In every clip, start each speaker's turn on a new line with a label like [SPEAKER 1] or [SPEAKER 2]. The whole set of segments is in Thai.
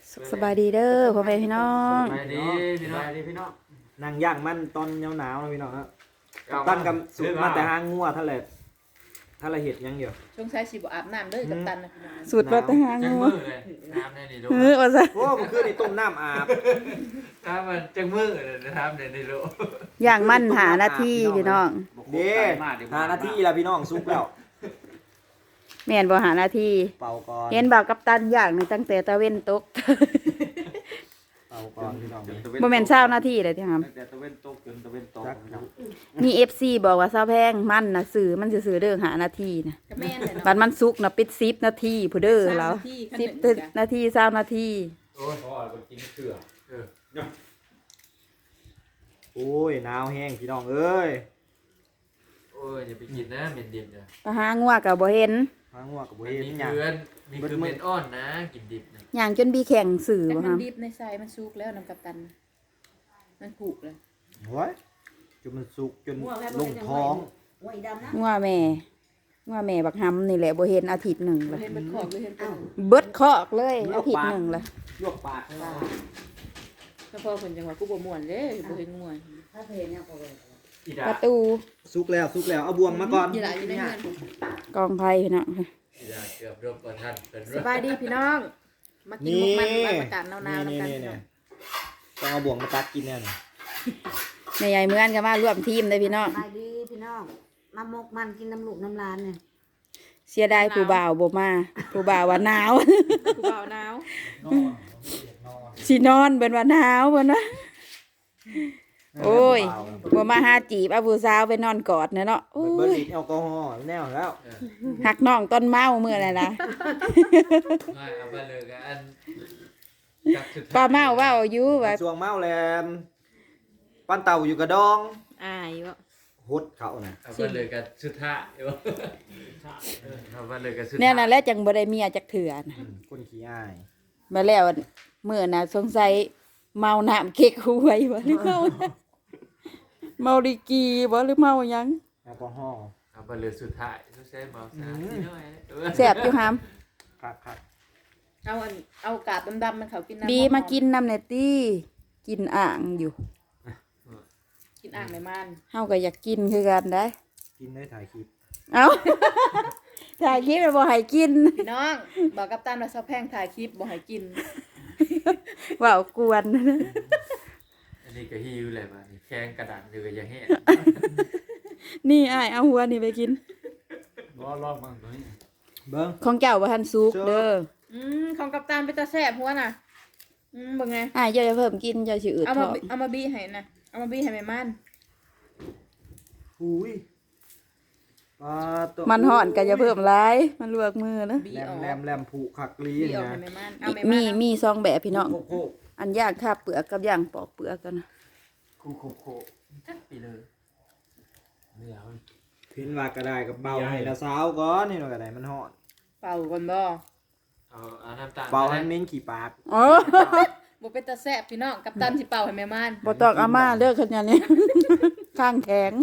[SPEAKER 1] สบายดีเด้อพ่อแม่พี่น้อง
[SPEAKER 2] สบายดีพี่น้อง
[SPEAKER 3] นั่งย่างมันตอนหนาวๆนะพี่น้องครับตั้งกำสุดมาแต่ห้างงัวท่าละเห็ดยังอยู่
[SPEAKER 4] ช่วงใช้สิบอาบน้ำเด้อกับตันนะพี่น้อง
[SPEAKER 1] สูตรวัตหา
[SPEAKER 2] จัง
[SPEAKER 1] งู
[SPEAKER 2] มือเลยน้ำในนี่ดู
[SPEAKER 1] ว่าซะ
[SPEAKER 3] โอ้เมื่อคืนนี่ต้มน้ำอาบ
[SPEAKER 2] ถ้ามันจังมือเลยนะครับในนี่ดู
[SPEAKER 1] อย่างมั่นหาหน้าที่พี่น้อง
[SPEAKER 3] เด้5 นาทีแล้วพี่น้องสุกแล้ว
[SPEAKER 1] แม่นบ่หาหน้าที่
[SPEAKER 3] เป่าก่อน
[SPEAKER 1] เห็นบ่าวกัปตันอย่างนี่ตั้งแต่ตะเว้นตก
[SPEAKER 3] เป่าก่อนพี่น้อง
[SPEAKER 1] บ่แม่นเช้าหน้าที่เลยที่ครับ
[SPEAKER 2] แต่ตะเวนตกจนตะเวนตก
[SPEAKER 1] มี FC บอกว่าเช้าแพงมันน่ะสื่อมันซื่อๆเด้อหาหน้าที่น่ะ
[SPEAKER 4] ก็แม่นเลยเนาะ
[SPEAKER 1] บัดมันสุกน่ะปิด10นาทีผู้เด้อแล้ว
[SPEAKER 4] ขั้นหนึ่งจ้ะ
[SPEAKER 1] 10นาที20นาที
[SPEAKER 2] โอ้ยพ่อไปกินเกลือ
[SPEAKER 3] โอ้ยหนาวแห้งพี่น้องเอ้ย
[SPEAKER 2] โอ้ยอย่าไปกินนะเหม็นดิบเนี่ย
[SPEAKER 1] ไปหางัวก็บ่เห็น
[SPEAKER 3] หางงัวกับบ่
[SPEAKER 2] มัน
[SPEAKER 3] เห็น
[SPEAKER 2] มี
[SPEAKER 3] หยัง
[SPEAKER 2] เกลือมีคือเหม็นอ่อนนะกินดิบนะ
[SPEAKER 1] ย่างจนบีแข่งสื่อ
[SPEAKER 4] แต่
[SPEAKER 1] บ่
[SPEAKER 4] มั
[SPEAKER 1] คน รับ
[SPEAKER 4] ดิบในไซมันสุกแล้วน้ำกับตัน มันผูกเลย
[SPEAKER 3] โอ้ยจนมันสุกจนลงท้อง
[SPEAKER 1] งัวแม่บักหำนี่แหละบ่เห็นอาทิตย์หนึง
[SPEAKER 4] เรา
[SPEAKER 1] ละ
[SPEAKER 4] เห็นมันขอบเลยเห็นเป็น
[SPEAKER 1] เบิดคอกเลยอาทิตย์หนึงละ
[SPEAKER 3] ลวกปากให้เรา
[SPEAKER 4] เฉพาะคนจังหวะกูบ่ม่วนเด้บ่เห็นม่วน
[SPEAKER 2] อีดา
[SPEAKER 1] ประตู
[SPEAKER 3] สุกแล้วเอาบวงมาก่อน
[SPEAKER 4] ยี่หล่ะอยู่ในเงิน
[SPEAKER 1] กองไผ่พี่น้อง
[SPEAKER 2] อีดาเกือบรบกับท่านเป็น
[SPEAKER 4] สบายดีพี่น้อง มากินมุกมันบ้านประกาศหนาวๆ
[SPEAKER 3] นี่
[SPEAKER 4] น้ำกัน
[SPEAKER 3] นี่ต้องเอาบวงมาตักกินแน่นอน
[SPEAKER 1] แม่ใหญ่เหมือนกันว่าร่วมทีมเลยพี่น้อง
[SPEAKER 5] ไปดีพี่น้องมามกมันกินน้ำลูกน้ำลานเนี่ย
[SPEAKER 1] เสียดายผู้บ่าวบ่มาผู้บ่าวว่าหนาว
[SPEAKER 4] กูเบาหนาว
[SPEAKER 1] สินอนเบิ่นว่าหนาวเบิ่นว่าโอ้ยบ่มาหาจีบเอาผู้สาวไปนอนกอดเนาะโอ้
[SPEAKER 3] เบิร์
[SPEAKER 1] ย
[SPEAKER 3] ลิแอลกอฮอล์แน่แล้ว
[SPEAKER 1] หักน้องต้นเมามื้อนั่นล่ะ
[SPEAKER 2] ไม่เอาไปเลยกันอันจับสุด
[SPEAKER 1] ป้าเมาเว้าอยู่ว่า
[SPEAKER 3] ช่วงเมาแลมปั้นเต่าอยู่กระดอง
[SPEAKER 4] อายบ่
[SPEAKER 3] ฮดเขานะ
[SPEAKER 2] เอาไปเลยกันสุดท้ายเอาไปเลยกันสุดท้าย
[SPEAKER 1] แน่นั่นแหละจังบ่ได้เมียจักเถื่อนะ
[SPEAKER 3] คนขี้อาย
[SPEAKER 1] มาแล้วมื้อน่ะสงสัยเมาน้ำเก๊กหวยบ่หรือเมาดิกีบ่หรือเมาหยัง
[SPEAKER 3] แอลกอฮอล์
[SPEAKER 2] เอาไปเลยสุดท้ายต้องใช้เมาส์นะนิดหน่อย
[SPEAKER 1] แซ่บอยู่หาม
[SPEAKER 3] ครับ
[SPEAKER 4] เอากาบดำๆมันเขากินน้ำ
[SPEAKER 1] บีมากินน้ำเนตตี้กินอ่างอยู่
[SPEAKER 4] กินอ่างในมัน
[SPEAKER 1] เฮาก็อยากกินคือกันได้
[SPEAKER 3] กินได้ถ่ายคลิป
[SPEAKER 1] เอ้า ถ่ายคลิปแล้วบ่ให้กิน
[SPEAKER 4] พี่น้องบอกกับตันว่าซอแพงถ่ายคลิปบ่ให้กิน
[SPEAKER 1] เว้ากวน
[SPEAKER 2] อันนี้ก็ฮิวเลยมาแข้งกระดานอยู่กับยังแห้ง
[SPEAKER 1] นี่อ้ายเอาหัวนี่ไปกิน
[SPEAKER 2] รอบมั่งตัวนี้
[SPEAKER 3] เบิ้ง
[SPEAKER 1] ของเจ้าบ่ทันสุกเด้อ
[SPEAKER 4] ของกับตันเป็นตาแซ่บหัวน่ะเบิ่งไง
[SPEAKER 1] อ้ายเจ้าจะเพิ่มกินเจ้าสิอืด
[SPEAKER 4] เอา
[SPEAKER 1] ท้
[SPEAKER 4] มา
[SPEAKER 1] อง
[SPEAKER 4] เอามาบี้ให้นะเอามาบี้ให้แม่มัน
[SPEAKER 3] อุ้ยปลาตัว
[SPEAKER 1] มันฮ้อนก็อย่าเพิ่มหลายมันลวกมือนะ
[SPEAKER 4] บี้
[SPEAKER 3] แร
[SPEAKER 4] อ
[SPEAKER 3] ม
[SPEAKER 4] อก
[SPEAKER 3] แรมผูกขักลี
[SPEAKER 4] บี้ออก
[SPEAKER 3] นะ
[SPEAKER 4] ให้แม่มันเอาแม่
[SPEAKER 1] มี
[SPEAKER 4] มัน
[SPEAKER 1] มีซองแบบพี่น้อง
[SPEAKER 3] โคก
[SPEAKER 1] อันย่างคาบเปลือกกับย่างปอกเปลือกกันนะ
[SPEAKER 2] โคจัดไปเลยเนื้อมัน
[SPEAKER 3] พินว่ากระไดกับเบาให้ละสาวก่อนนี่หน่อยกระไดมันห่อน
[SPEAKER 4] เป่าก่อนบ่
[SPEAKER 2] เอาน้ำตาล
[SPEAKER 3] เบาให้เม้นขี่ปาก
[SPEAKER 1] โอ้
[SPEAKER 4] บ่เป็นตาแซ่บพี่น้องกับตันสิเป่าให้แม่มัน
[SPEAKER 1] บ่ต้องเอามาเด้อคันอย่างนี้ ข้างแข็ง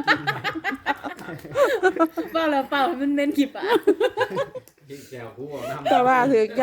[SPEAKER 4] เป่าแล้วเป่าให้มันเน้นขี้ปาก
[SPEAKER 2] กินแก้วคู่น้ำ
[SPEAKER 1] แต่ว่าถือใจ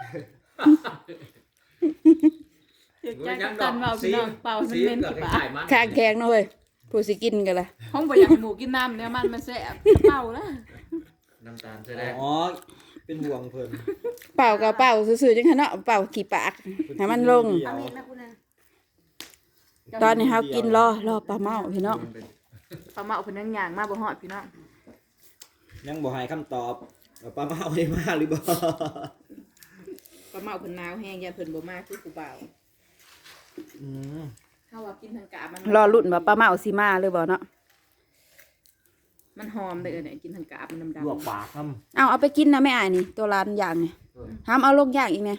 [SPEAKER 4] อยากจ้างกับตันเป่าพี่น้องเป่าให้มันเน้นขี้ปาก
[SPEAKER 1] ข้างแข็งเนาะเว้ยผู้สิกินกันล่ะ
[SPEAKER 4] ห้องบ่อยากให้หมูกินน้ำเนี่ยมันแซ่บเป่าแล้ว
[SPEAKER 2] น้ำตาลแสดง
[SPEAKER 3] อ๋อเป็นห่วงเพิ่น
[SPEAKER 1] เป่ากับเป่าซื่อๆจังซั่นเนาะเป่าขี้ปากให้มันลง
[SPEAKER 5] เอามีดนะคุณนะ
[SPEAKER 1] ตอนนี้เฮากินรอปลาเมาพี่น้อง
[SPEAKER 4] ปลาเมาเพิ่นยังย่างมาบ่ฮอดพี่น้อง
[SPEAKER 3] ยังบ่ให้คำตอบว่าปลาเมาได้มาหรือบ่
[SPEAKER 4] ปลาเมาเพิ่นหนาวแห้งยาเพิ่นบ่มาคือผู้บ่าว
[SPEAKER 3] อืม
[SPEAKER 4] เฮาว่ากินทางกาบมัน
[SPEAKER 1] รอลุ้นว่าปลาเมาสิมาหรือบ่เนาะ
[SPEAKER 4] มันหอมเด้อเนี่ยกินทางกาบมันดำ
[SPEAKER 3] ลวกปากน้
[SPEAKER 1] เอาไปกินนะแม่อ้ายนี่ตัวร้านย่างนี่ห้ามเอาลงย่างอีกแม่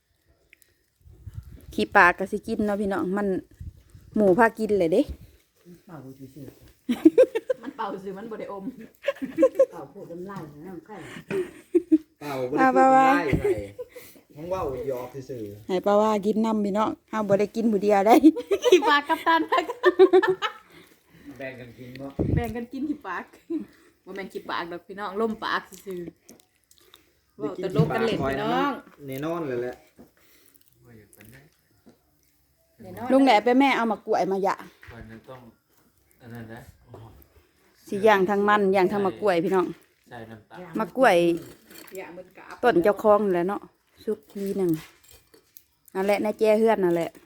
[SPEAKER 1] ขี้ปากก็สิกินเนาะพี่น้องมันหมูพากินเลยเด้
[SPEAKER 5] เป่าซื่อ
[SPEAKER 4] ๆมันเป่าซื่อมันบ่ได้อม
[SPEAKER 5] ๆเป่าพูดน้ำลายน้ำไข่
[SPEAKER 3] ำเปล่าบ่ได้พูดได้ไผห้องเว้าหยอกซื่อ
[SPEAKER 1] ให้ป้าว่ากินน้ำพี่น้องห้ามบ่ได้กินผู้เดียวได้
[SPEAKER 4] ขี้ปากกับตัน
[SPEAKER 2] แบ่งกันกินบ่
[SPEAKER 4] แบ่งกันกินขี้ปากบ่แม่นขี้ปากดอกพี่น้องล่มปากซื่อๆ
[SPEAKER 3] ๆ
[SPEAKER 4] เว้าตลกกันเล่นพี่น้อง
[SPEAKER 3] แน่นอนเลยแหละ
[SPEAKER 1] ลุงแหละไปแม่เอามากล้วยมาหยะ
[SPEAKER 2] วันนั้นต้องอันนั้นนะโอ้โห
[SPEAKER 1] สิย่างทางมันย่างทางมะกล้วยพี่น้อง
[SPEAKER 2] ใส่น้ำตาล
[SPEAKER 1] มะกล้วย
[SPEAKER 4] อย่ามันกะ
[SPEAKER 1] ต้นเจ้าของนั่นแหละเนาะซุกทีหนึ่งนั่นแหละในแจ้เฮือนนั่นแหละ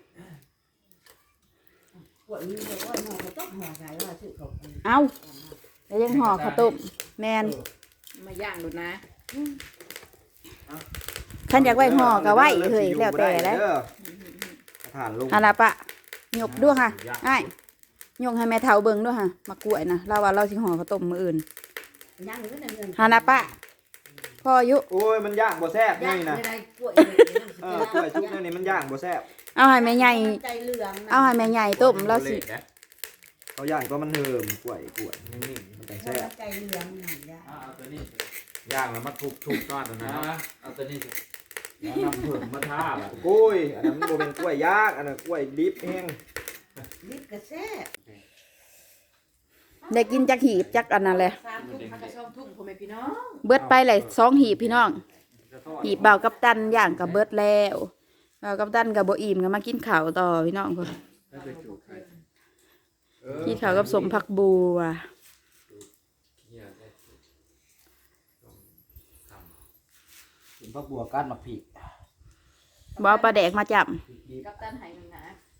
[SPEAKER 5] ปวดมือว่าหมอเขาต้องหมอใส่ว่าซื้อเขา
[SPEAKER 1] เอาแล้วยังห่อข้าวต้มแมน
[SPEAKER 4] มาย่างดูนะ
[SPEAKER 1] ขันอยากไว้ห่อก็ไว้เฮ้ยแล้วแต่แล้ว
[SPEAKER 3] ผ่านลง
[SPEAKER 1] อันละปะหยกด้วยค่ะไอ้หยกให้แม่เฒ่าเบิ่งด้วยค่ะมากล้วยนะเราว่าเราสิห่อข้าวต้มมื้ออื่น
[SPEAKER 5] ย่างหรือนั่นเงิน
[SPEAKER 1] ฮานะปะพ่ออายุ
[SPEAKER 3] โอ้ยมันย่างบ่แซ่บ
[SPEAKER 5] ย่าง
[SPEAKER 3] นี่นะ
[SPEAKER 5] ไม่ได้กล้วย
[SPEAKER 3] กล้วยชุบนี่มันย่างบ่แซ่บ
[SPEAKER 1] เอาให้แม่ใหญ่
[SPEAKER 5] ใจเหลือง
[SPEAKER 1] เอาให้แม่ใหญ่ต้มเราสิ
[SPEAKER 2] นะ
[SPEAKER 3] เขาย่างก็มันเหิมกล้วยนิ่มๆมันจังแซ่บ
[SPEAKER 5] ใจเหลืองหน่อยย่าง
[SPEAKER 2] เอาตัวนี้
[SPEAKER 6] ย่างแล้วมาทุบก้อนตรงนั้น
[SPEAKER 2] เอาตัวนี้สิ
[SPEAKER 6] แล้วนำเผิ่มมาทาแบบ
[SPEAKER 3] กล้วยอันนั้นบ่เป็นกล้วยย่างอันนั้นกล้วยดิบแห้ง
[SPEAKER 5] นิดกระแซ่บ
[SPEAKER 1] ได้กินจักหีบจักอันนั้นแหละ
[SPEAKER 4] 3 ทุ่มพักกระช่องทุ่งพ่อแม่พี่น้อง
[SPEAKER 1] เบิดไปเลย2หีบพี่น้องหีบเบากับตันย่างกับเบิดแล้วเบากับตันกับโบอิ่มก็มากินข้าวต่อพี่น้องคน
[SPEAKER 2] ถ้าไปจูบใคร
[SPEAKER 1] กินข้าวกับสมผักบัว
[SPEAKER 2] เหี้ยได้ต้องท
[SPEAKER 6] กินพักบัวก้านมาผี
[SPEAKER 1] บเอาปลาแดกมาจับ
[SPEAKER 4] กับตันไหนึงนะ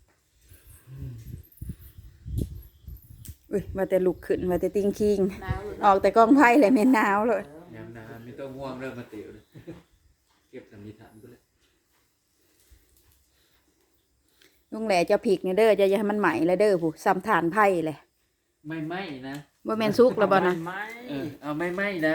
[SPEAKER 1] อุ้ยมาแต่ลุกขึ้นมาแต่ติ้งคิง
[SPEAKER 4] หนาวเลย
[SPEAKER 1] ออกแต่กล้องไพ่เลยไม่หนาวเลย
[SPEAKER 2] ำน้ำน้ำไม่ต้องง่วงเริ่มมาเตี๋ยวเลยเก็บสำลีถันไปเลย
[SPEAKER 1] ลุงแหล่จะผิกเนี่ยเด้อจะอย่าให้มันใหม่เลยเด้อผู้ซ้ำฐานไพ่เลย
[SPEAKER 2] ไม่ไหมนะ
[SPEAKER 1] ว่าแมนซุกแล้วบ่นะ
[SPEAKER 2] เอาไม่ไหมนะ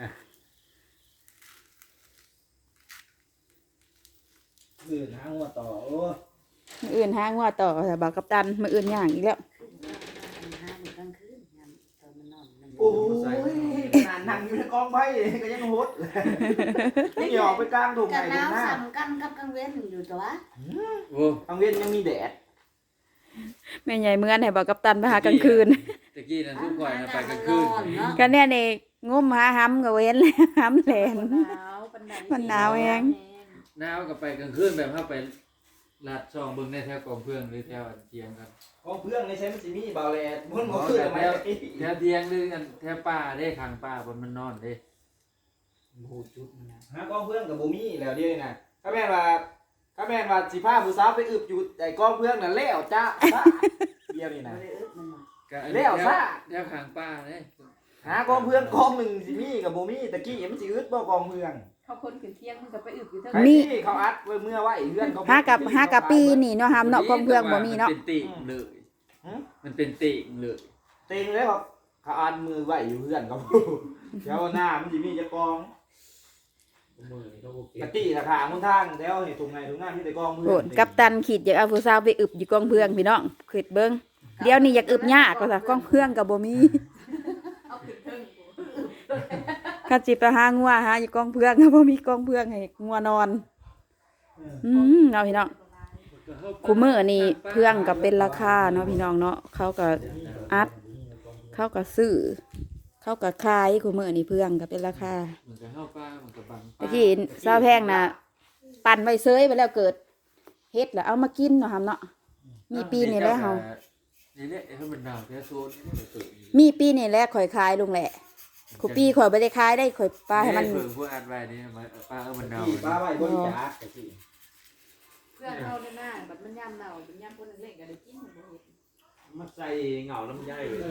[SPEAKER 3] อื่นหางัวต่อโอ้
[SPEAKER 1] มืออื่นห้างว่าต่อแต่บ่าวกับตันมืออื่นย่างอีกแล้ว
[SPEAKER 5] ห้าโมงกลางคืนยามตอนมันนอนมัน
[SPEAKER 3] โอ้ยขนาดนั่งอยู่ในกองไผ่ก็ยังโหดไม่ยอมไปกลางถุง
[SPEAKER 5] กั
[SPEAKER 3] ไหน
[SPEAKER 5] น
[SPEAKER 3] ถุ
[SPEAKER 5] น้ำ
[SPEAKER 3] งหน้า
[SPEAKER 5] ซ้ำกันกับกลางเว้นอยู่ตัว
[SPEAKER 2] โอ้
[SPEAKER 3] กลางเวียนยังมีแดด
[SPEAKER 1] แม่ใหญ่เมื่อนให้บ่าวกับตันไปหากลางคืน
[SPEAKER 2] ตะกี้นั่นทุกก่อนนะไปกลางคืน
[SPEAKER 1] ก็เนี่ยนี่งมหาห้ำกับเว้นเลยห้ำแหลน
[SPEAKER 4] หนาวปานใด
[SPEAKER 1] มันหนาวเอง
[SPEAKER 2] หนาวกับไปกลางคืนแบบเข้าไปลาดช่องเบิ่งในแถวกองเพื่อนหรือแถวอันเทียงกัน
[SPEAKER 3] กองเพื่อนในใช้มันสิมีเบาแลดมันบ่
[SPEAKER 2] แถ
[SPEAKER 3] คือ
[SPEAKER 2] ว
[SPEAKER 3] ทำไม
[SPEAKER 2] แถวเทียงหรืออันแถวป่าได้ข้างป่าบนมันนอนเด้
[SPEAKER 6] โหจุดมันนะ
[SPEAKER 3] หากองเพื่อนกับบ่มีแล้วเดี๋ยวนี้นะถ้าแม่นว่าสิพาผู้สาวไปอึบอยู่ไอ้กองเพื่อนน่ะแล้วจ้าเดี๋ยวนี้นะ
[SPEAKER 2] ก็อัน
[SPEAKER 3] แล้วซะ
[SPEAKER 2] แถวข้างป่าเด้
[SPEAKER 3] หากองเพื่อนกองหนึ่งสิมีกับบ่มีตะกี้มันสิอึดบ่กองเพื่อน
[SPEAKER 4] เขาคนขึ้นเที่ยงมันก็ไปอึบอยู่เท่า
[SPEAKER 3] ไอ้
[SPEAKER 4] นั้น
[SPEAKER 3] ที่เขาอัดไว้เมื่อไว้เพื่อนเขา
[SPEAKER 1] หากับปีนี่เนาะห้ำเนาะกองเพื่องบ่มีเนาะ
[SPEAKER 2] มันเป็นติ่งเลยมันเป็นติ่งเลย
[SPEAKER 3] เต็งเลยครับเขาอัดมือไว้อยู่เพื่อนเขาเดี๋ยวหน้ามันสิมีจะกอง
[SPEAKER 6] มือนี่ก็โอเค
[SPEAKER 3] ตะกี้ราคาค่อนข้างแล้วเห็นตรงไหนตรงหน้าที่แต่กองเพื่
[SPEAKER 1] โหดกับตันขีดอยากเอาผู้สาวไปอึบอยู่กองเพื่องพี่น้องขีดเบิ่งเดี๋ยวนี้อยากอึบยากก็ซะกองเพื่องกับบ่มี
[SPEAKER 4] เอาขึ้นเทิง
[SPEAKER 1] ข้าจิไปหางัวหาอยู่กองเพื่องก็บ่มีกองเพื่องให้งัวนอนเอาพี่น้องคูมื้อนี่เพื่องก็เป็นราคาเนาะพี่น้องเนาะเขาก็อัดเขาก็ซื้อเขาก็ขายคูมื้อนี่เพื่องก็เป็นราคา
[SPEAKER 2] มันก็เข้าป่ามันก็บัง
[SPEAKER 1] ตะกี้ซาวแพงน่ะปั่นไว้เซยไปแล้วเกิดเฮ็ดแล้วเอามากินเนาะครับเนาะมีปีนี่แหละเฮา
[SPEAKER 2] นี่แหละให้มันหนาวแค่โซนนี่เกิด
[SPEAKER 1] มีปีนี่แหละข่อยขายลุงแหละคูปีข่อยบ่ได้ขายได้ข่อยปลาให้มัน
[SPEAKER 2] เพิ่งพวกอัดไว้นี่ป้ามันหนาว
[SPEAKER 3] ที่ป้าไว้บริจาคตะกี้
[SPEAKER 4] เพื่อนเขาในหน้าบัดมันย่ำหนาวเป็นย่ำคนเล็กๆก็ได้กินมันบ่เฮ็ด
[SPEAKER 6] มันใส่เหงาลำไยเลย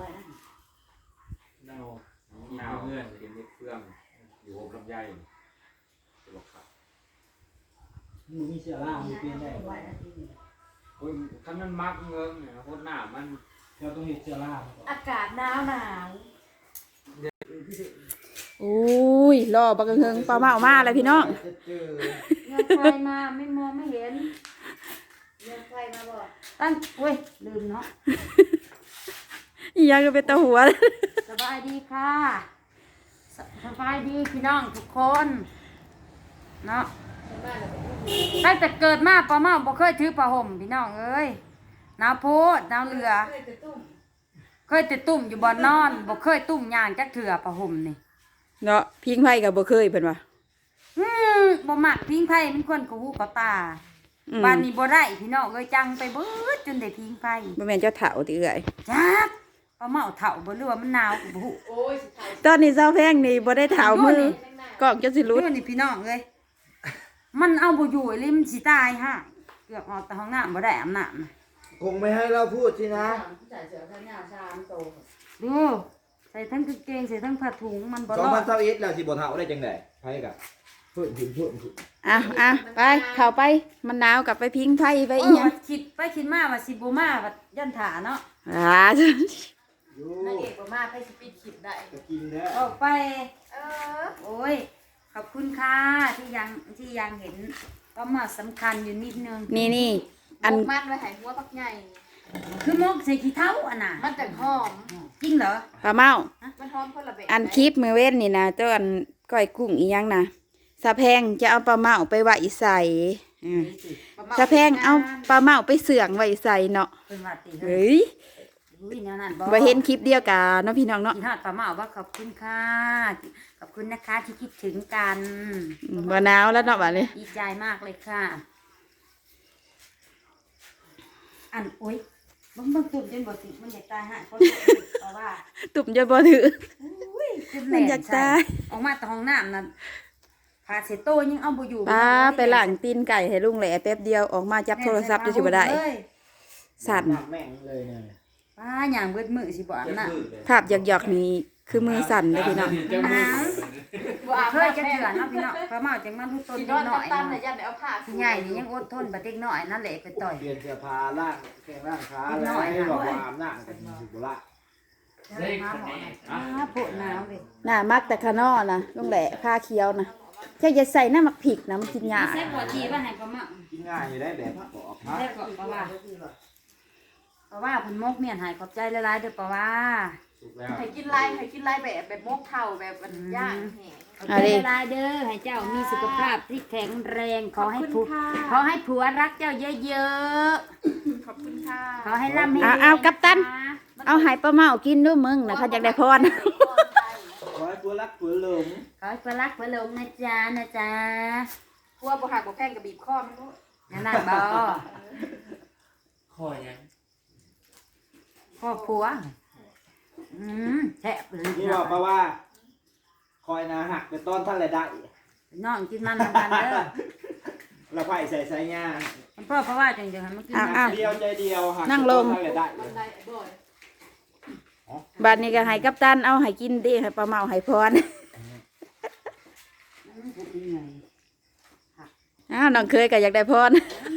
[SPEAKER 2] หนาว
[SPEAKER 6] หนาวเงื่อนกินนิดเฟื่องอยู่อบลำไยจะบอกครับ
[SPEAKER 3] มึงมีเสื้อล่างมีเปลี่ยนได้
[SPEAKER 6] โอ้ยคันมันมักเงิงเนี่ยโคตรหนามัน
[SPEAKER 3] เราต้องเห็นเสื้อล่าง
[SPEAKER 4] อากาศหนาว
[SPEAKER 1] อุ้ยรอบักเฮิงปลาเมามาเลยพี่น้อง
[SPEAKER 5] เงินใครมาไม่มองไม่เห็นเงินใครมาบอกตั้งเว้ยลืมเนาะ
[SPEAKER 1] อีหยังก็เป็นตาหัว
[SPEAKER 5] สบายดีค่ะสบายดีพี่น้องทุกคนเนาะตั้งแต่เกิดมาป้าเมาบ่เคยถือผ้าห่มพี่น้องเอ้ยหนาวโพดหนาวเหลือ เคยแต่ตุ่มอยู่บ่นอนบ่เคยตุ่มย่างจักเถื่อผ้าห่มนี่
[SPEAKER 1] เนาะพิงไผ่ก็บ่เคยเพิ่นว่า
[SPEAKER 5] บ่มักพิงไผมันคนกูหูกับตาบ้านนี้บ่ได้พี่น้องเอ้ยจังไปเบิดจนได้พิงไฟ
[SPEAKER 1] บ่แม่นเจ้าเฒ่าติเอื้อย
[SPEAKER 5] จักป้าเมาเฒ่าบ่หรือว่ามันหนาวก็บ่ฮู้
[SPEAKER 1] ตอนนี้เจ้าแพงนี่บ่ได้เฒ่ามือกล้องจะสิหลุด
[SPEAKER 5] ดูนี่พี่น้องเอ้ยมันเอาบ่อยู่เลยมันสิตายฮะเกือบออกแต่ห้องน้ำบ่ได้อาบน้ำน่ะ
[SPEAKER 3] คงไม่ให้เราพูดสินะ
[SPEAKER 5] ดูใส่ทั้งกางเกงใส่ทั้งผ้าถุงมันบ่รอด
[SPEAKER 3] 2021แล้วสิบ่เฒ่าได้จังได๋ไผกะเพิ่นขึ้น
[SPEAKER 1] อ่ะไปเข้าไปมันหนาวกลับไปพิงไฟไปอีหยัง
[SPEAKER 5] คิดไปคิดมาว่าสิบ่มาว่ายันถาเนาะ
[SPEAKER 1] อ่า
[SPEAKER 3] อยู่
[SPEAKER 4] นางเอกบ่มาไปสปีดคลิปได้
[SPEAKER 3] จะกินเด้อ
[SPEAKER 5] ออกไป
[SPEAKER 4] อ
[SPEAKER 5] โอ้ยขอบคุณค่ะที่ยังเห็นก็มาสำคัญอยู่นิดนึง
[SPEAKER 1] นี่อัน
[SPEAKER 4] มันไว้ให้หัวปักใหญ่
[SPEAKER 5] คือมกใส่ขี้เท้าอ่ะน่ะ
[SPEAKER 4] มันจังหอม
[SPEAKER 5] จริงเหรอ
[SPEAKER 1] ปลาเมา
[SPEAKER 4] มันหอมคนละแบบ
[SPEAKER 1] อันคลิปมือเว้นนี่นะเจ้าอันก้อยกุ้งอีหยังนะสะแพงจะเอาปลาเมาไปไว้ใส่สะแพงเอาปลาเมาไปเสื่องไว้ใส่เนาะ
[SPEAKER 5] เป็นว่าติ
[SPEAKER 1] เฮ้ย
[SPEAKER 5] อุ้ยแนวนั้น
[SPEAKER 1] บ่เห็นคลิปเดียวกันเนาะพี่น้องเนาะ
[SPEAKER 5] กินฮอดปลาเมาว่าขอบคุณค่ะขอบคุณนะคะที่คิดถึงกัน
[SPEAKER 1] บ่หนาวแล้วเนาะบัดนี้
[SPEAKER 5] ดีใจมากเลยค่ะ อันอุ้ยเบิ่งตุ่มจนบ่ติมันอยากตายฮะเพราะว่า
[SPEAKER 1] ตุ่มจะบ่ถือ
[SPEAKER 5] อุ้ยจุด
[SPEAKER 1] มันอยากตาย
[SPEAKER 5] ออกมาแต่ห้องน้ำนั่นพาเสโตยังเอาบ่อยู่
[SPEAKER 1] ป้าไปล้างตีนไก่ให้ลุงแหล่แป๊บเดียวออกมาจับโทรศัพท์จะสิบ่ได้ สั่น
[SPEAKER 3] แม่งเลยเนี่ย
[SPEAKER 5] ป้าย่างเบิดมือสิบ่อาบน้ำ
[SPEAKER 1] ภาพหยอกๆนี่คือมือสั่นเลยพี่น้อง
[SPEAKER 2] เจ้ามือ
[SPEAKER 5] เคยจะเถื่อนเนาะพี่น้องปลาเมาจังมันทุกต้น
[SPEAKER 4] กิ
[SPEAKER 5] นิ
[SPEAKER 4] น
[SPEAKER 5] ด
[SPEAKER 4] น
[SPEAKER 5] ห
[SPEAKER 4] อน
[SPEAKER 5] น่อย
[SPEAKER 4] ตั้ม
[SPEAKER 5] เนาะ
[SPEAKER 4] ๆน่ะยันได้เอาผ้า
[SPEAKER 5] ใหญ่นี่ยังอดทนบ่เด็กน้อยนั่นแหละไปต่อย
[SPEAKER 3] เปลี่ยนเสื้อผ้าล่างแข้งล่างขาแล้วบอกว่าอาบน้ำกันสิบ่ละ
[SPEAKER 2] ได้คะแนน
[SPEAKER 5] อ้าโพดหนาวเว้ย
[SPEAKER 1] น่ามักแต่ขะนอนะลุงแหล่ผ้าเขียวนะแค่จะใส่น้ำมักผิกนะมันกินยาก
[SPEAKER 5] แซ่บกว่าที่ว่าให้ปลาเมา
[SPEAKER 3] กินง่ายอยู่ได้แบบบอก
[SPEAKER 5] แซ่บกว่าปลาว่าเพราะว่าเพิ่นมกเมียนใหายขอบใจหลายๆเด้อปลาว่า
[SPEAKER 3] สุกแล้ว
[SPEAKER 4] ให้กินลายแบบมกเท่าแบบมันย่างแห้ง
[SPEAKER 5] ขอบใจหลายๆเด้อให้เจ้ามีสุขภาพที่แข็งแรงขอให้ผัวรักเจ้าเยอะ
[SPEAKER 4] ขอบคุณค่ะ
[SPEAKER 5] ๆขอให้ร่ำให้รวย
[SPEAKER 1] เอากัปตัน เอาให้ป้าเมากินด้วยมึงนะเขาอยากได้พร
[SPEAKER 3] ขอให้ตัวรักตัวหลง
[SPEAKER 5] ขอให้ผัวรักผัวหลงนะจ๊ะ
[SPEAKER 4] กลัวบ่หักบ่แพงกับบีบคอมันรู้
[SPEAKER 5] นั่นน่ะบ่
[SPEAKER 2] คอยยัง
[SPEAKER 5] พ่อผัวแซ่บเลย
[SPEAKER 3] นี่บอกเพราะว่า คอยนะหักเป็นต้นท่านเลยได้
[SPEAKER 5] น้องกินมันทำกันเด้อ
[SPEAKER 3] เราไผ่ใส่ใส่ยา
[SPEAKER 5] มันพ่อเพราะว่าจังๆให้มันกิน
[SPEAKER 1] อ้าว
[SPEAKER 3] เดียวใจเดียวหัก
[SPEAKER 1] นั่งลง
[SPEAKER 3] ท่านเลยได้
[SPEAKER 4] บันไดบ่อย
[SPEAKER 1] บัดนี้ก็ให้กัปตันเอาให้กินดิให้ป้าเมาให้พร อ้าวน้องเคยก็อยากได้พร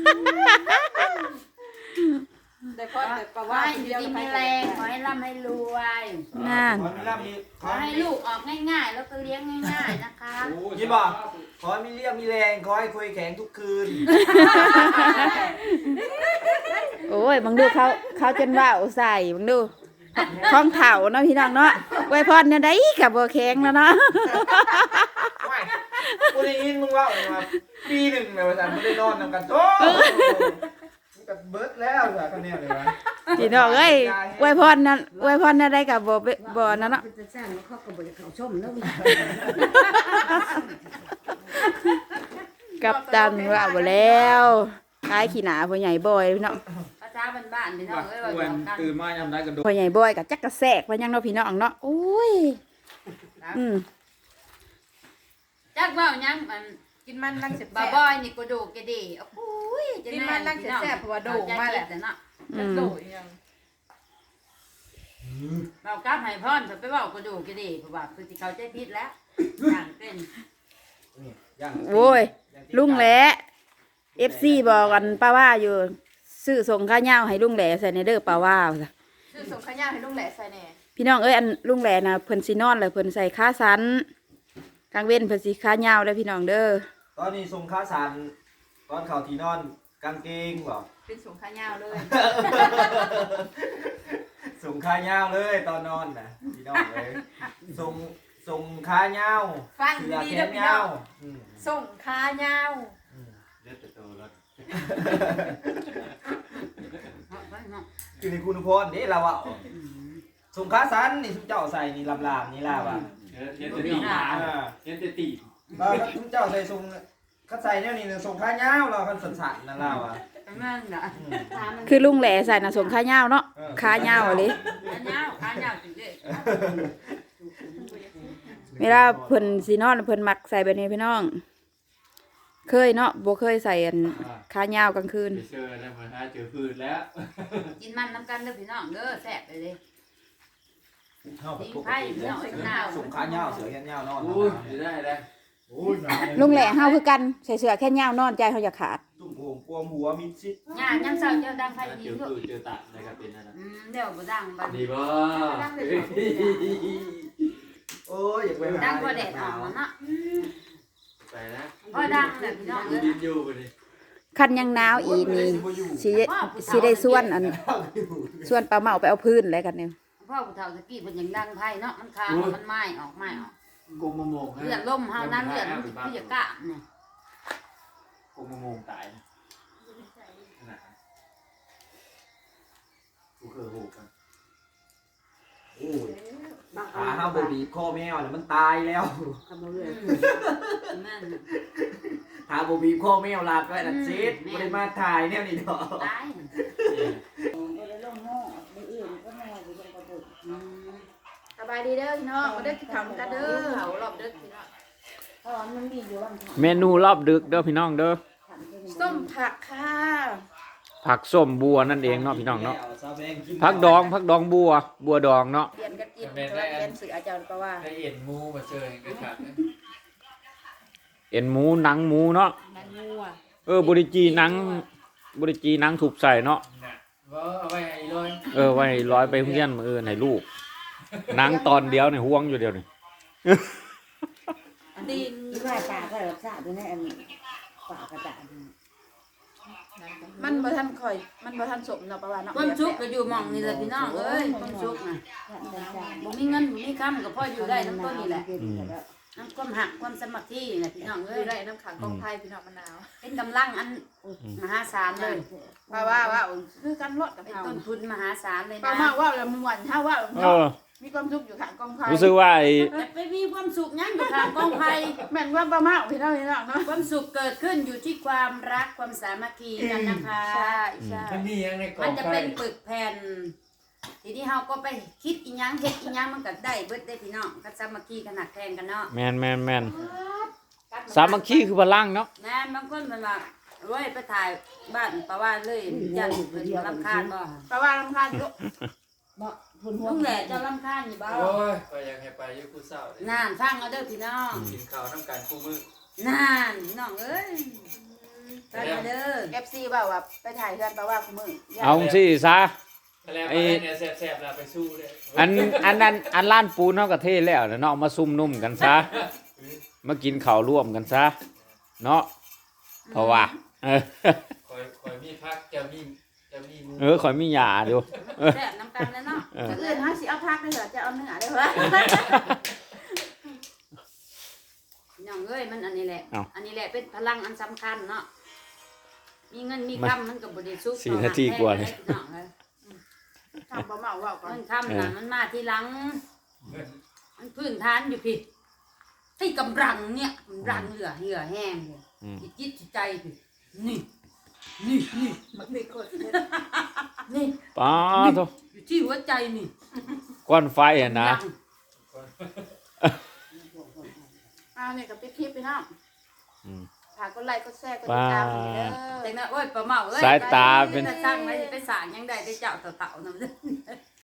[SPEAKER 4] แต่พอแต่ปะ
[SPEAKER 5] ขอ
[SPEAKER 4] ว่า
[SPEAKER 5] ให้
[SPEAKER 4] ที
[SPEAKER 5] อ
[SPEAKER 4] เดียว
[SPEAKER 5] ยู่ดี
[SPEAKER 4] ไป
[SPEAKER 5] มี
[SPEAKER 4] แร
[SPEAKER 5] แรง งขอให้ร่ำให้รวย
[SPEAKER 1] นั่น
[SPEAKER 3] ขอมีร่ำมี
[SPEAKER 5] ขอให้ลูกออกง่ายๆ แล้วก็เลี้ยงง่ายๆนะคะ
[SPEAKER 3] ยินบอกขอให้มีเรียบมีแรงขอให้คุยแข็งทุกคืน
[SPEAKER 1] โอ้ยบังดูเขาจนว่าวใส่บังดูข้องเถาเนาะพี่น้องเนาะไว้พรเนี่ยได้กับบัวแข็งแล้วเนาะ
[SPEAKER 3] ไม่กูได้ยินมึงว่ามาปีหนึ่งเลยว่าสันไม่ได้นอนนำกันโอ้กับเบิร์ดแล้วเหรอคนเนี้ยเลยวะ
[SPEAKER 1] พี่น้องเอ้ยไว้พรนั่นไว้พรเนี่ยได้กับบ่นั่นเนาะ
[SPEAKER 5] จะสร้างแล้วเขาก็บ่จะเข้าชมแล้ว
[SPEAKER 1] กับตันว่าบ่แล้วคล้ายขี้หนาพ่อใหญ่บอยพี่น้อง
[SPEAKER 5] ภาษาบ้านๆพี่น้องเอ้ยว่า
[SPEAKER 2] ควร
[SPEAKER 5] กัน
[SPEAKER 2] ตื่นมาทำได้กันโด
[SPEAKER 1] พ่อใหญ่บอยกับจักกระแสกว่ายังเนาะพี่น้องเนาะโอ้ยอืม
[SPEAKER 5] จักเว้ายังมัน
[SPEAKER 4] กินมันลังเสร็จ
[SPEAKER 5] บ่บ่อยนี่ก็ดูกะดีโอ้ย
[SPEAKER 4] กินมันลังเสร็จแซ่บเพราะว่าโด่งมาแหละ
[SPEAKER 5] เนาะ
[SPEAKER 1] อืม
[SPEAKER 4] โด่งยัง
[SPEAKER 5] เรากลับให้พรไปเว้าก็ดูกะดีเพราะว่าคือสิเข้าใจผิดแล้วอย่างเป็น
[SPEAKER 1] โอ้ยลุงแหละ FC บอกกันป้าว่าอยู่ซื้อส่งข้าวเหนียวให้ลุงแหล่ใส่ในเด้อป้าว่าว่าซะ
[SPEAKER 4] คือส่งข้าวย่างให้ลุงแหละใส่แหน่
[SPEAKER 1] พี่น้องเอ้ยอันลุงแหล่น่ะเพิ่นสินอนแล้วเพิ่นใส่ขาสันกลางเว้นเพิ่นสิขาเหนียวเด้อพี่น้องเด้อ
[SPEAKER 3] ตอนนี้ทรงค้าสันตอนเข่าทีนอนกางเกงบอก
[SPEAKER 4] เป็นส่งข้าวยาวเลย
[SPEAKER 3] ส่งค้ายาวเลยตอนนอนนะพี่น้องเลยส่งค้ายาว
[SPEAKER 4] ฟัง
[SPEAKER 3] เสือ
[SPEAKER 4] ดี
[SPEAKER 3] แข
[SPEAKER 4] ๆเด้อน พี่น้
[SPEAKER 3] ยา
[SPEAKER 4] อ
[SPEAKER 3] ว
[SPEAKER 4] งส่งข้าวยาว
[SPEAKER 6] เลือดแต่โตแล้ว
[SPEAKER 3] คือในคุณพรนี่เราอะส่งค้าสันนี่ทุกเจ้าใส่นี่ลำๆนี่ล่ะว่ะ
[SPEAKER 6] เลือดแต่ตีเลือดแต่ตี
[SPEAKER 3] เราทุกเจ้าใส่ทรงเขาใส่เนี่ยนี่ส่งข้าวยาวเราคันสั่นๆนั่นเราอ่ะ
[SPEAKER 5] นั่นน่ะ
[SPEAKER 1] คือลุงแหล่ใส่น่ะส่งขาเหย้าเนาะขาเหย้าเลย
[SPEAKER 5] ขาเหย้าจริงเด้
[SPEAKER 1] เวลาเพิ่นสินอนเพิ่นมักใส่แบบนี้พี่น้อง เคยเนาะบ่เคยใส่อันขาเหย้ากลางคืน
[SPEAKER 2] ไปเจอแล้วมาหาเจอพืชแล้ว
[SPEAKER 5] กินมันน้ำกันเด้อพี่น้องเด้อแซ่บเลยเด้
[SPEAKER 3] เข้าไป
[SPEAKER 5] ยิง
[SPEAKER 3] ปก
[SPEAKER 5] ไผ่
[SPEAKER 3] ติ
[SPEAKER 5] พี่น้องหนาว
[SPEAKER 3] ส่งข้าวยาวเสือแขนยาวนอน
[SPEAKER 2] อู้จะได้แล้ว
[SPEAKER 1] ลุงแหล่เฮาคือกันใส่เสื้อแค่เหย้านอนใจเฮาอยากขาด
[SPEAKER 3] ตุ่มโอ่งกวมหัวมิดชิด
[SPEAKER 5] ย่ายังเศร้าเจ้าดังไผ่
[SPEAKER 2] เจ
[SPEAKER 5] ดี
[SPEAKER 2] อ
[SPEAKER 5] ลูก
[SPEAKER 2] พืชเจอตัดนะครับเป็นนั่นนะ
[SPEAKER 5] เดี๋ยวบ่ดังบัด
[SPEAKER 2] ดีบ่
[SPEAKER 3] โอ้ยอยากไปหา
[SPEAKER 5] ดังกว่าแดดออกเนาะ
[SPEAKER 2] ไปนะ
[SPEAKER 5] พอดังเลยพี่น้องเอ้ย
[SPEAKER 2] ดินอยู่ไปดิ
[SPEAKER 1] คันยังหนาวอีนี่สิได้ส่วนอันส่วนปลาเมาไปเอาพื้นอะไรกันเนี่ย
[SPEAKER 5] พ่อผู้เฒ่าตะกี้เพิ่นยังดังไผ่เนาะมันคางมันไหม้ออก
[SPEAKER 2] กงมะม่วง
[SPEAKER 5] เลือดลมเฮานั้นเลือดมันคือจะกะเนี่ย
[SPEAKER 2] กงมะม่วงตายขนาดกูเคยหูกัน
[SPEAKER 3] โอ้ยขาห้าบบีบคอแมวแล้วมันตายแล้ว
[SPEAKER 5] นั่น
[SPEAKER 3] ถ้าบบีบคอแมวลาก็ดัดซีดไม่ได้มาถ่ายเนี่ยนี่เนาะ
[SPEAKER 5] ตาย
[SPEAKER 1] สบายดีเด้อพี่น้องมาเด้อกินข้าวกันเด้อ
[SPEAKER 5] เขารอบดึกพี่น้อง
[SPEAKER 6] เมนูรอบดึกเด้อพี่น้องเด้อ
[SPEAKER 1] ส้มผักค่ะ
[SPEAKER 6] ผักส้มบัวนั่นเองเนาะพี่น้องเนาะผักดองบัวดองเนาะ
[SPEAKER 1] เปลี่ยนกันกินเพราะว่าเปลี่ยนสื่ออาจารย์เพราะว่า
[SPEAKER 2] ได้เอ็นมูมาเจอก็ขาด
[SPEAKER 6] เอ็นหมูหนังหมูเนาะบริจีหนังถูกใส่เนาะ
[SPEAKER 2] ว่าเอาไว้ให้ร้อย
[SPEAKER 6] ไว้ร้อยไปเพื่อนมือให้ลูกหนังตอนเดียวเนี่ยห่วงอยู่เดียวนี่
[SPEAKER 5] ดิน
[SPEAKER 7] ปลาก็รักษาด้วยนะอันปลากระดาษ
[SPEAKER 1] มันบ่ทันค่อย มันบ่ทันสมเนาะประว่าเนาะ
[SPEAKER 5] ความสุขก็อยู่หม่องนี่แหละพี่น้องเอ้ยความสุขน่ะบ่มีเงินบ่มีคำก็พออยู่ได้น้ำต้นนี่แหละน้ำความหักความสามัคคีนี่แหละพี่น้องเอ้
[SPEAKER 1] อย ยู่ได้น้ำขังกองไผ่พี่น้องมะนาว
[SPEAKER 5] เป็นกำลังอันมหาศาลเลย
[SPEAKER 1] เพราะว่าคือกันรถกับ
[SPEAKER 5] เป็น
[SPEAKER 1] เฮา
[SPEAKER 5] ต้นทุนมหาศาลเลย
[SPEAKER 1] ปลา
[SPEAKER 5] นะ
[SPEAKER 1] เมาว่าแล้วม่วนเฮาว่า
[SPEAKER 6] เออ
[SPEAKER 1] มีความสุขอยู่ข้างกองไผ่
[SPEAKER 6] รู้สึกว่าไอ้
[SPEAKER 5] จะไปมีความสุขยังอยู่ทางกองไผ่
[SPEAKER 1] แม่นว่าปลาเมาพี่น้องเนาะ
[SPEAKER 5] ความสุขเกิดขึ้นอยู่ที่ความรักความสามัคคีกันนะคะ
[SPEAKER 1] ใช่ใช่
[SPEAKER 2] มันมียังในกล่อ
[SPEAKER 5] มัน
[SPEAKER 2] ง
[SPEAKER 5] จะ
[SPEAKER 2] ไฟ
[SPEAKER 5] เป็นปึกแผ่น ทีนี้เราก็ไปคิดอีหยังเฮ็ดอีหยังมันก็ได้เบิดได้พี่น้องก็สามัคคีกันหนักแทงกันเนาะ
[SPEAKER 6] แมนสามัคคีคือพลังเนาะ
[SPEAKER 5] นะบางคนมันว่าโอ้ยไปถ่ายบ้านปะว่าเลยยันเพิ่นรำคาญบ่
[SPEAKER 1] ปลาว่ารำคาญอยู่
[SPEAKER 7] บ่พุ่นหัว
[SPEAKER 5] ลุงแหละเจะรำคาญอยู่บ่
[SPEAKER 2] โอ้ยไปยังให้ไปอยุคผู้เศร้าเลย
[SPEAKER 5] นั่นฟังเอาเด้อพี่น้อง
[SPEAKER 2] กินข้าวน้ำกันคู่มือ
[SPEAKER 5] นั่นพี่น้องเอ้ยฟังเอาเด้อ
[SPEAKER 1] FC ว่าว่าไปถ่ายเฮือนปลาว่าคุมื้อ
[SPEAKER 6] เอาสิซะ
[SPEAKER 2] แล้วเนี่ยแสบๆเราไปสู้เลย
[SPEAKER 6] อันล้านปูนเฮาก็เทแล้วเนาะมาซุ่มนุ่มกันซะมากินข้าวร่วมกันซะเนาะเพราะว่า
[SPEAKER 2] คอยมีพักจะมีมู
[SPEAKER 6] ข่อยมีหยาอยู่
[SPEAKER 5] แซ่บน้ำกันแล้วเนาะ
[SPEAKER 1] มื้ออื่นเฮาสิเอาผักได้เหรอจะเอาเนื้อได้เหรอ
[SPEAKER 5] พี่น้องเอ้ยมันอันนี้แหละ
[SPEAKER 6] เอ้า
[SPEAKER 5] อันนี้แหละเป็นพลังอันสำคัญเนาะมีเงินมีคำมันก็บ่ได้สุข
[SPEAKER 6] 4 นาทีกว่าเลย
[SPEAKER 5] พี่น้องเอ้ย
[SPEAKER 1] ทำปลาเมาว่าก่อน
[SPEAKER 5] เงินคำน่ะมันมาทีหลัง มันพื้นฐานอยู่พี่ให้กำลังเนี่ยกำลังเหลือเหือแห้งเลย
[SPEAKER 6] อืม
[SPEAKER 5] จิตจิตใจพี่นี่นี่นี่
[SPEAKER 1] มันมีคน
[SPEAKER 5] นี่
[SPEAKER 6] ป้าโต
[SPEAKER 5] อยู่ที่หัวใจนี่
[SPEAKER 6] ก้อนไฟอ่ะนะ
[SPEAKER 1] เนี่ยกับคลิปพี่น้อง
[SPEAKER 6] อืม
[SPEAKER 1] ฝากกดไลค์กดแชร์กดติดตามให้เด้อ
[SPEAKER 5] แต่นะโอ้ยปลาเมาเอ้ย
[SPEAKER 6] สายตาเป็น
[SPEAKER 5] จะสร้างไว้ไปสร้างยังได้ไปเจ้าเต่าๆนำเด้อ